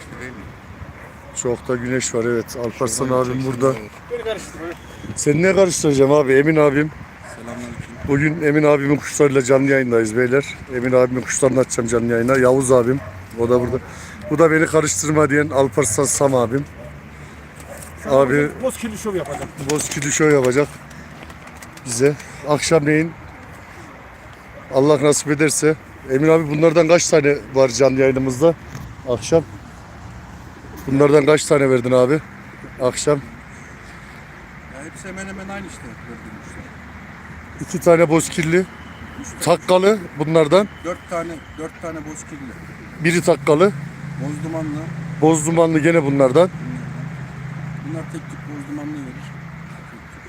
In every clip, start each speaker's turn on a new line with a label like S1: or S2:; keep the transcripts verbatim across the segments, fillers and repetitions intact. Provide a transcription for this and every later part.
S1: güneşli değil mi?
S2: Çok da güneş var, evet. Alparslan abim burada.
S3: Beni karıştırma.
S2: Seni ne karıştıracağım abi? Emin abim.
S1: Selamünaleyküm.
S2: Bugün Emin abimin kuşlarıyla canlı yayındayız beyler. Emin abimin kuşlarını açacağım canlı yayına. Yavuz abim. O da burada. Bu da beni karıştırma diyen Alparslan Sam abim. Abi
S3: Bozkirli şov yapacağım.
S2: Bozkirli show yapacak bize. Akşamleyin Allah nasip ederse. Emin abi bunlardan kaç tane var canlı yayınımızda? Akşam. Bunlardan kaç tane verdin abi? Akşam.
S1: Ya hepsi hemen hemen aynı işte gördüğüm işte.
S2: İki tane bozkirli. Takkalı bunlardan.
S1: Dört tane, dört tane bozkirli.
S2: Biri takkalı.
S1: Boz dumanlı.
S2: Boz dumanlı gene bunlardan.
S1: Bunlar tek tip boz dumanlı verir. Tek tip.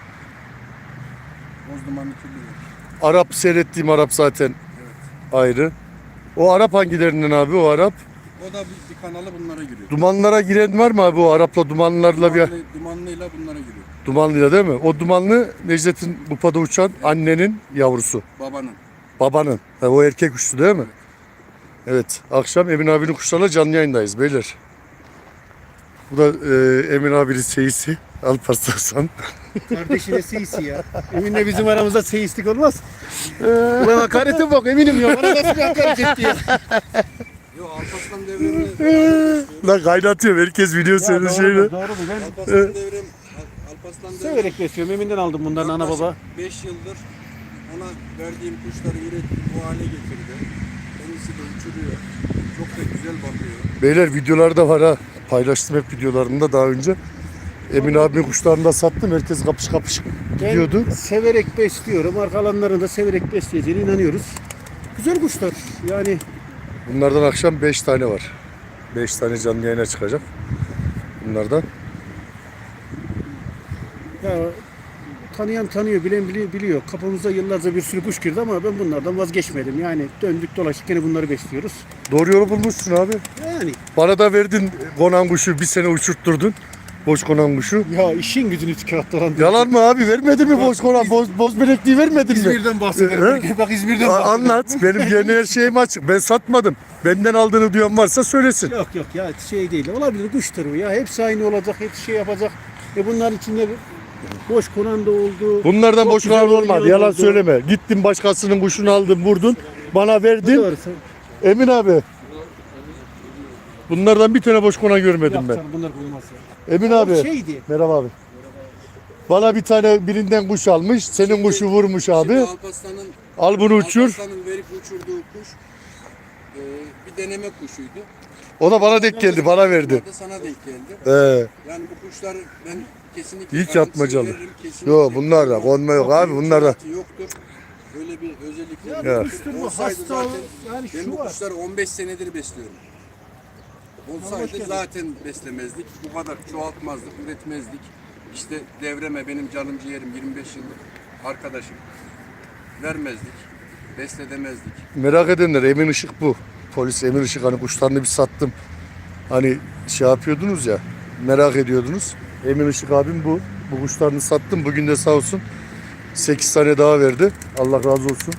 S1: Boz dumanlı kirli verir.
S2: Arap seyrettiğim Arap zaten ayrı. O Arap hangilerinden abi o Arap?
S1: O da bir, bir kanalı bunlara giriyor.
S2: Dumanlara giren var mı abi o Arap'la dumanlarla bir...
S1: Dumanlı, dumanlıyla bunlara giriyor.
S2: Dumanlıyla değil mi? O dumanlı Necdet'in kupada uçan annenin yavrusu.
S1: Babanın.
S2: Babanın. Ha, o erkek kuştu değil mi? Evet. Akşam Emin abinin kuşlarla canlı yayındayız beyler. Bu da e, Emin abinin seyisi. Alparslan Sam.
S3: Kardeşine seyisi ya. Emin'le bizim aramızda seyislik olmaz. Ulan hakarete bak Emin'im ya. Bana nasıl bir hakaret etti ya.
S1: Yok Alparslan devrimi.
S2: Lan kaynatıyor. Herkes biliyor senin şeyini.
S3: Doğru mu? Ben
S1: Alparslan devrim. Al- Alparslan devrim.
S3: severek besliyorum. Emin'den aldım bunların ana baba.
S1: beş yıldır ona verdiğim kuşları ürettim, bu hale getirdi. Kendisi de uçuruyor. Çok da güzel bakıyor.
S2: Beyler videolar da var ha. Paylaştım hep videolarında daha önce. Emin abimin kuşlarını da sattım. Herkes kapış kapış gidiyordu.
S3: Ben severek besliyorum. Arkalarını da severek besleyeceğine inanıyoruz. Güzel kuşlar. Yani
S2: Bunlardan akşam beş tane var. beş tane canlı yayına çıkacak. Bunlardan.
S3: ya tanıyan tanıyor, bilen bili- biliyor. Kapımıza yıllarca bir sürü kuş girdi ama ben bunlardan vazgeçmedim. Yani döndük dolaştık yine bunları besliyoruz.
S2: Doğru yolu bulmuşsun abi.
S3: Yani
S2: Bana da verdin konan kuşu. Bir sene uçurtturdun. Boş konan kuşu.
S3: ya işin gücünü tükattıran.
S2: Yalan mı abi? Vermedin mi boş konan? Boz, boz melekliği vermedin mi?
S3: İzmir'den bahsediyorum. Bak İzmir'den
S2: A-
S3: bahsediyorum.
S2: Anlat. Benim yeni her şeyim açık. Ben satmadım. Benden aldığını duyan varsa söylesin.
S3: Yok yok ya şey değil. Olabilir kuştur bu ya. Hepsi aynı olacak. Hepsi şey yapacak. E bunların içinde boş konan da oldu.
S2: Bunlardan
S3: Çok
S2: boş
S3: güzel
S2: konan olmadı.
S3: oynayan
S2: Yalan
S3: oldu.
S2: söyleme. Gittin başkasının kuşunu aldın, vurdun. Bana verdin.
S3: Doğrusu.
S2: Emin abi. Bunlardan bir tane boş konan görmedim
S3: Yok
S2: ben.
S3: canım bunlar bulmaz ya.
S2: Emin
S3: O
S2: abi.
S3: şeydi.
S2: Merhaba abi. Bana bir tane birinden kuş almış. Senin kuşu vurmuş
S1: Şimdi
S2: abi.
S1: Alparslan'ın
S2: Al bunu uçur.
S1: Alparslan'ın verip uçurduğu kuş e, bir deneme kuşuydu.
S2: O da bana denk geldi. Bana verdi.
S1: O da sana denk geldi.
S2: Ee,
S1: Yani bu kuşları ben kesinlikle
S2: Hiç
S1: garantisini
S2: yatmacalı.
S1: veririm, kesinlikle.
S2: Yok bunlar da konma yok abi. Bunlar da.
S1: Yoktur. Böyle bir özellikleri
S3: Ya
S2: Evet.
S1: yoktur.
S3: kuştur bu
S1: Olsaydı
S3: hasta
S1: zaten
S3: yani
S1: ben
S3: şu
S1: bu
S3: var.
S1: kuşları on beş senedir besliyorum.
S3: hoş
S1: Olsaydı
S3: geldin.
S1: zaten beslemezdik. Bu kadar çoğaltmazdık, üretmezdik. İşte devreme benim canım ciğerim yirmi beş yıllık arkadaşım. Vermezdik. Besledemezdik.
S2: Merak edenler Emin Işık bu. Polis Emin Işık, hani kuşlarını bir sattım. Hani şey yapıyordunuz ya, merak ediyordunuz. Emin Işık abim bu. Bu kuşlarını sattım. Bugün de sağ olsun sekiz tane daha verdi. Allah razı olsun.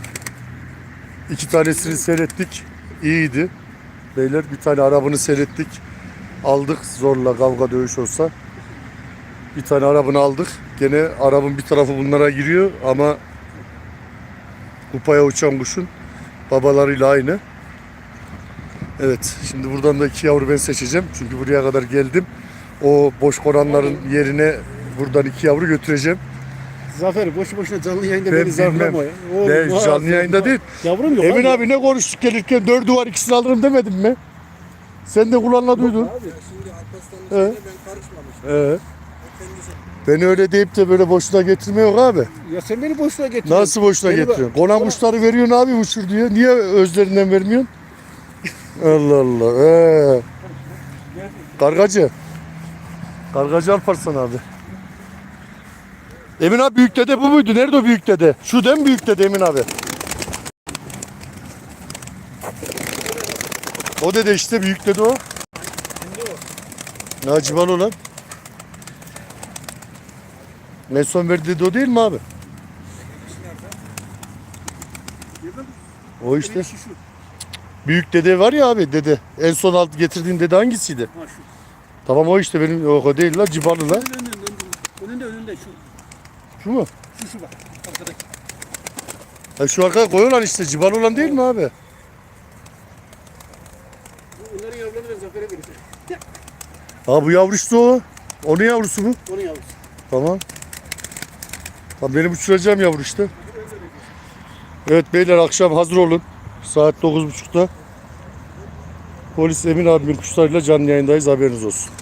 S2: İki tanesini seyrettik. İyiydi. Beyler bir tane arabını seyrettik. Aldık zorla, kavga dövüş olsa. Bir tane arabını aldık. Gene arabın bir tarafı bunlara giriyor ama kupaya uçan kuşun babalarıyla aynı. Evet, şimdi buradan da iki yavru ben seçeceğim. Çünkü buraya kadar geldim. O boş konanların yerine buradan iki yavru götüreceğim.
S3: Zafer boşu boşuna canlı yayında
S2: Ben
S3: beni zarlama ya. Oğlum,
S2: Ben
S3: vay,
S2: canlı yayında
S3: vay.
S2: değil.
S3: Yavrum yok
S2: Emin
S3: abi.
S2: abi ne konuştuk gelirken dördü var ikisini alırım demedim mi? Sen de kulağına duydun.
S1: Ya şimdi Alparslan'ın
S2: Evet.
S1: şeyine ben karışmamıştım.
S2: Ee,
S1: O kendisi.
S2: beni öyle deyip de böyle boşuna getirme yok abi.
S3: Ya sen beni boşuna getiriyorsun.
S2: Nasıl boşuna
S3: Beni bak-
S2: getiriyorsun? Konan kuşları veriyorsun abi uçur diye. Niye özlerinden vermiyorsun? Allah Allah. Ee. Kargacı. Kargacı Alparslan abi. Emin abi büyük dede bu muydu? Nerede o büyük dede? Şu değil mi büyük dede Emin abi? O dede işte büyük dede o. Naciban olan. En son verdiği dede o değil mi abi? O işte. Büyük dede var ya abi, dede. En son alt getirdiğin dede hangisiydi?
S3: Ha şu.
S2: Tamam o işte, benim o, o değil la, cibarlı la.
S3: Önünde önünde önünde önünde şu.
S2: Şu mu?
S3: Şu şu bak. Arkadaki.
S2: Ha, şu arkaya koyuyorlar işte, cibarlı olan değil mi abi?
S3: Bunların yavruları ben Zafer'e vereceğim.
S2: Ha bu yavru işte o. Onun yavrusu bu.
S3: Onun yavrusu.
S2: Tamam. Tamam, benim uçuracağım yavru işte. Evet beyler, akşam hazır olun. Saat dokuz buçukta. Polis Emin abimin kuşlarıyla canlı yayındayız, haberiniz olsun.